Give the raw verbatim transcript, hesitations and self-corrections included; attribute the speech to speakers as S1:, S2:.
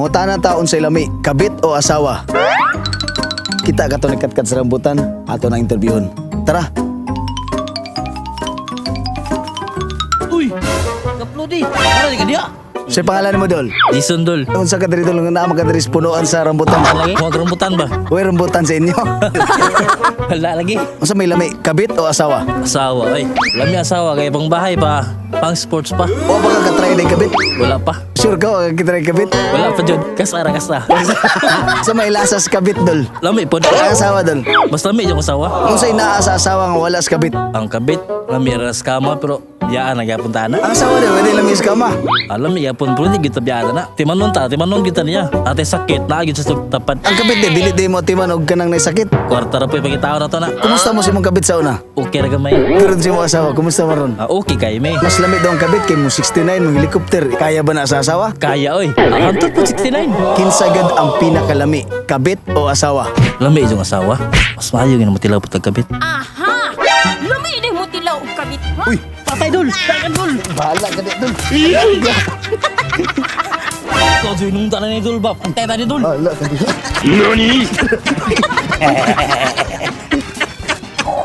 S1: Mangutana taon sa ilami, kabit o asawa? Kita ka to ni Katkat sa rambutan, ato na interviewon. Tara.
S2: Uy, kaplo di. Ano di ka diya?
S1: Sa pangalan mo, Dol?
S2: Jason Dol.
S1: Unsa ka diri Dol nga naa ka diri sa punuan sa rambutan?
S2: Lagi? Huwag rambutan ba?
S1: Uy, rambutan sa inyo.
S2: Wala lagi.
S1: Unsa may lami, kabit o asawa?
S2: Asawa, ay. Lami asawa, kaya pang bahay pa. Pang sports pa.
S1: O baka ka try din kabit?
S2: Wala pa.
S1: Sure ka, wag ka try kabit?
S2: Wala pa dyan. Kasara kasa.
S1: Sa may lasas kabit, Dol?
S2: Lami po.
S1: Ang asawa, Dol?
S2: Mas lami yung asawa.
S1: Kung sa'y naa sa asawa nga wala sa kabit?
S2: Ang kabit, lami ras kama, pero yaan nagyapon ta na.
S1: Ang asawa, Dol, wala lamis ka ma.
S2: Alam niya yapon, pero hindi kita biyada na. Timanon ta, timanon kita niya. Ate sakit, naagid sa tapad.
S1: Ang kabit, di, dili di mo timan og kanang naisakit.
S2: Kwarta ra po yung pagkitao na to na.
S1: Kumusta mo si mong kabit sa una?
S2: Okay na gamay.
S1: Karon si mong asawa, kumusta mo ron?
S2: Ah, okay kay may.
S1: Mas lamig daw ang kabit kay mo sixty-nine mong helicopter. Kaya ba na sa asawa?
S2: Kaya oy. Ang po sixty-nine.
S1: Kinsagad ang pinakalami, kabit o asawa?
S2: Lami yung asawa. Mas maayo yung matilaw po tagkabit.
S3: Aha! Lumi din mo tilaw og kabit, ha?
S1: Uy,
S2: Patay dul! Takan dul!
S1: bahala ka dito.
S2: Ikaw dul nung tanan ni dul ba? Pantay tadi dul!
S1: Bahala ka dito.
S2: Nani?